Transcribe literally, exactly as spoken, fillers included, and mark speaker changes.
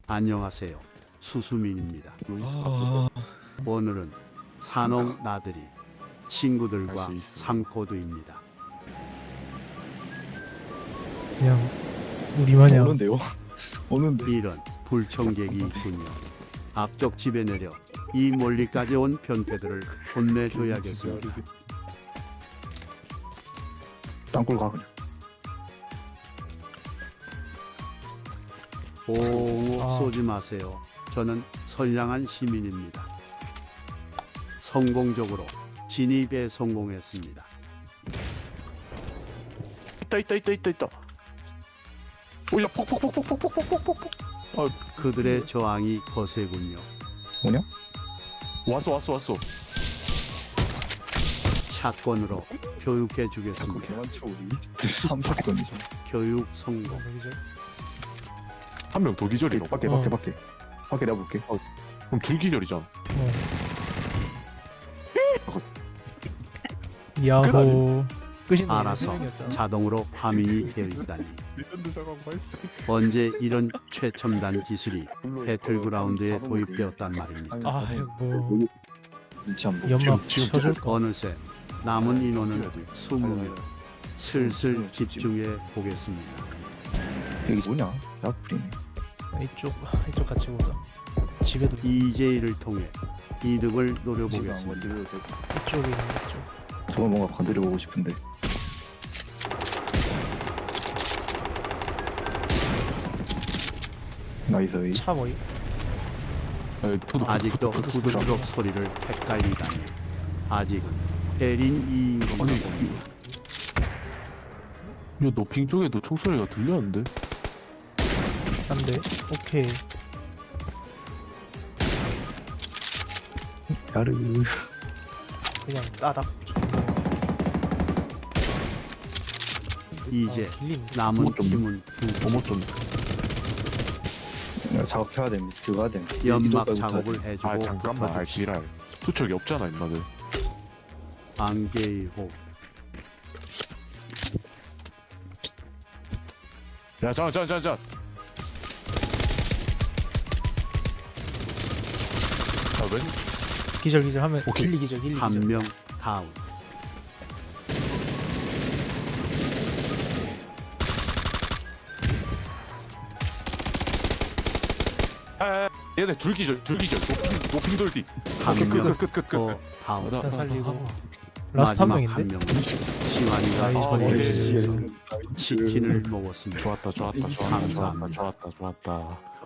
Speaker 1: 안녕하세요. 수수민입니다.
Speaker 2: 아...
Speaker 1: 오늘은 산옥 나들이 친구들과
Speaker 2: 할수 있어.
Speaker 1: 상코드입니다.
Speaker 3: 그냥 우리 마냥
Speaker 2: 오는데요? 오는데.
Speaker 1: 이런 불청객이 있군요. 앞쪽 집에 내려 이 멀리까지 온 변태들을 혼내줘야겠습니다.
Speaker 2: 땅굴 가 그냥.
Speaker 1: 오,
Speaker 3: 아.
Speaker 1: 쏘지 마세요. 저는 선량한 시민입니다. 성공적으로 진입에 성공했습니다.
Speaker 2: 있다 있다 있다 있다 있다. 오야 폭폭폭폭폭폭폭폭폭.
Speaker 1: 그들의 저항이 거세군요.
Speaker 2: 뭐냐? 왔어 왔어 왔어.
Speaker 1: 샷건으로 교육해
Speaker 2: 자꾸
Speaker 1: 주겠습니다.
Speaker 2: 개만쳐 우리. 삼 사건이죠.
Speaker 1: 교육 성공.
Speaker 3: 여기죠.
Speaker 2: 한 명 더 기절이로.
Speaker 4: 밖에
Speaker 3: 어.
Speaker 4: 밖에 밖에 밖에 내가 볼게.
Speaker 2: 그럼 둘 기절이잖아.
Speaker 3: 어.
Speaker 2: 끝
Speaker 3: 야호. 끝이
Speaker 1: 알아서 자동으로 화면이 되어 있다니.
Speaker 2: 리턴드 사과 발사.
Speaker 1: 언제 이런 최첨단 기술이 배틀그라운드에 도입되었단 말입니까?
Speaker 3: 아이고
Speaker 4: 눈치 안 보고.
Speaker 3: 연막
Speaker 2: 지금
Speaker 3: 쳐줄 거.
Speaker 1: 어느새 남은 인원은
Speaker 2: 뛰어야 돼.
Speaker 1: 이십 명. 슬슬 집중해 보겠습니다.
Speaker 4: 여기 뭐냐? 야풀이네.
Speaker 3: 이쪽 이쪽 같이 보자. 집에도
Speaker 1: 이제이를 통해 이득을
Speaker 4: 지금 안
Speaker 1: 노려보겠습니다.
Speaker 4: 건드려도 되고.
Speaker 3: 이쪽에 있는 이쪽.
Speaker 4: 저거 뭔가 건드려 보고 싶은데. 나이스.
Speaker 3: 차 뭐이?
Speaker 1: 아직도 후두둑 소리를 헷갈리다니. 아직은 대린 이인 건가
Speaker 2: 아니,
Speaker 1: 봅니다.
Speaker 2: 야 노핑 쪽에도 총소리가 들렸는데?
Speaker 3: 안돼. 오케이.
Speaker 4: 야르.
Speaker 3: 그냥 따닥.
Speaker 1: 이제
Speaker 3: 아, 길림.
Speaker 1: 남은
Speaker 2: 뭐 좀-
Speaker 1: 팀은 두
Speaker 2: 어머 좀.
Speaker 4: 야, 작업해야 됩니다. 그거 해야 됩니다.
Speaker 1: 연막
Speaker 4: 이쪽까지
Speaker 1: 작업을
Speaker 4: 붙어야
Speaker 1: 해주고
Speaker 2: 아 잠깐만. 아
Speaker 1: 붙어주고
Speaker 2: 지랄. 투척이 없잖아 임마들.
Speaker 1: 안개의 호.
Speaker 2: 야 잠깐 잠깐 잠깐. 아 웬?
Speaker 3: 기절 기절 하면
Speaker 2: 오케이.
Speaker 3: 길리 기절 길리
Speaker 1: 한
Speaker 3: 기절.
Speaker 1: 명 다운.
Speaker 2: 아 얘네 둘 기절 둘 기절. 노핑 노핑 돌디.
Speaker 1: 한
Speaker 2: 오케이
Speaker 1: 명
Speaker 2: 끝끝끝끝.
Speaker 1: 더 다운.
Speaker 2: 나-
Speaker 3: 다 살리고.
Speaker 2: 나-
Speaker 3: 라스트 한
Speaker 1: 마지막 한
Speaker 3: 명인데.
Speaker 1: 명은 시완이가
Speaker 3: 나이스.
Speaker 2: 아,
Speaker 1: 처리해서
Speaker 2: 네.
Speaker 1: 치킨을 먹었습니다.
Speaker 2: 좋았다 좋았다 좋았다 좋았다
Speaker 1: 감사합니다.
Speaker 2: 좋았다 좋았다.